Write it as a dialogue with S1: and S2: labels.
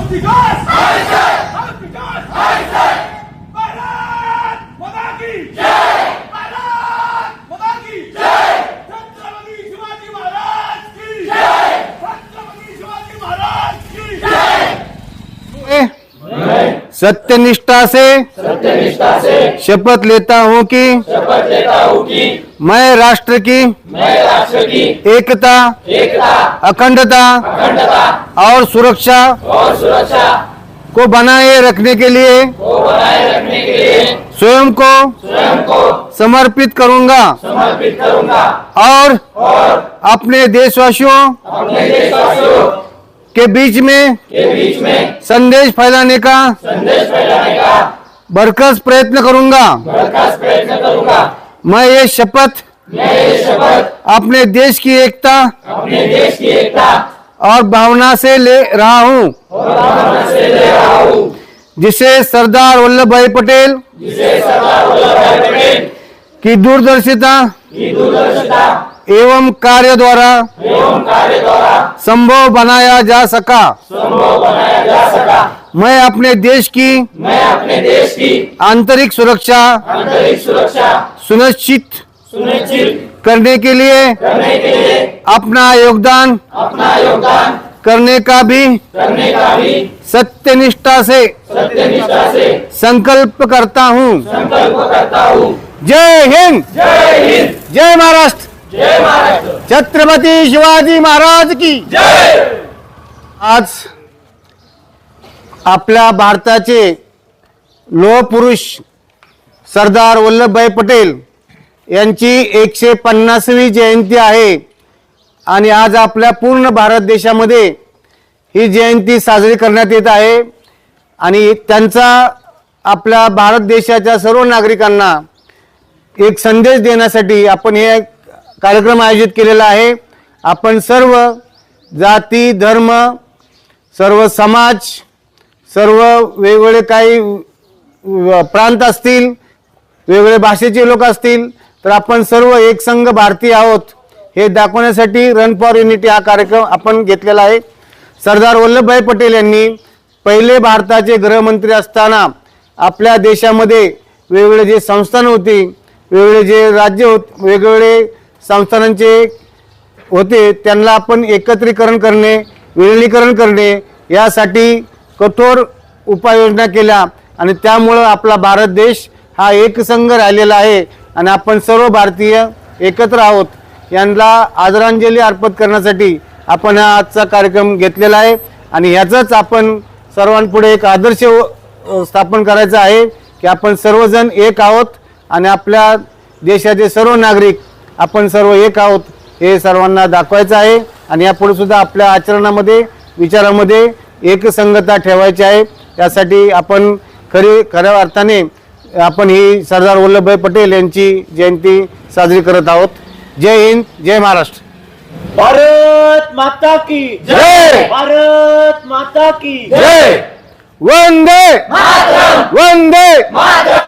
S1: सत्यनिष्ठा से शपथ लेता हूँ कि मैं राष्ट्र की एकता अखंडता और सुरक्षा को बनाए रखने के लिए स्वयं को समर्पित करूंगा और अपने देशवासियों के बीच में संदेश फैलाने का भरसक प्रयत्न करूंगा। मैं ये शपथ अपने देश की एकता और भावना से ले रहा हूं, जिसे सरदार वल्लभ भाई पटेल की दूरदर्शिता एवं कार्य द्वारा संभव बनाया जा सका। मैं अपने देश की आंतरिक सुरक्षा सुनिश्चित करने के लिए अपना योगदान करने का भी सत्यनिष्ठा से संकल्प करता हूँ। जय हिंद, जय महाराष्ट्र, छत्रपती शिवाजी महाराज की जय। आज आपल्या भारताचे लोह पुरुष सरदार वल्लभभाई पटेल यांची 150वी जयंती आहे आणि आज आपल्या पूर्ण भारत देशामध्ये ही जयंती साजरी करण्यात येत आहे आणि त्यांचा आपल्या भारत देशाच्या सर्व नागरिकांना एक संदेश देण्यासाठी आपण हे कार्यक्रम आयोजित केलेला आहे। आपण सर्व जाती धर्म सर्व समाज सर्व वेगवेगळे काही प्रांत असतील वेगवेगळे भाषेचे लोक असतील तर आपण सर्व एक संघ भारतीय आहोत हे दाखवण्यासाठी रन फॉर युनिटी हा कार्यक्रम आपण घेतलेला आहे। सरदार वल्लभभाई पटेल यांनी पहिले भारताचे गृहमंत्री असताना आपल्या देशामध्ये वेगवेगळे जे संस्थान होती वेगवेगळे जे राज्य होते वेगवेगळे संस्थानांचे होते त्यांना आपण एकत्रीकरण करणे विलीनीकरण करणे यासाठी कठोर उपाययोजना केल्या आणि त्यामुळे आपला भारत देश हा एकसंघ राहिलेला आहे आणि आपण सर्व भारतीय एकत्र आहोत। यांना आदरांजली अर्पण करण्यासाठी आपण हा आजचा कार्यक्रम घेतलेला आहे आणि याचाच आपण सर्वांपुढे एक आदर्श स्थापन करायचा आहे की आपण सर्वजण एक आहोत आणि आपल्या देशाचे सर्व नागरिक आपण सर्व एक आहोत हे सर्वांना दाखवायचं आहे आणि यापुढे सुद्धा आपल्या आचरणामध्ये विचारामध्ये एकसंगता ठेवायची आहे। त्यासाठी आपण खऱ्या अर्थाने आपण ही सरदार वल्लभभाई पटेल यांची जयंती साजरी करत आहोत। जय हिंद, जय महाराष्ट्र।
S2: भारत माता की जय, भारत माता की जय।
S1: वंदे मातरम, वंदे मातरम।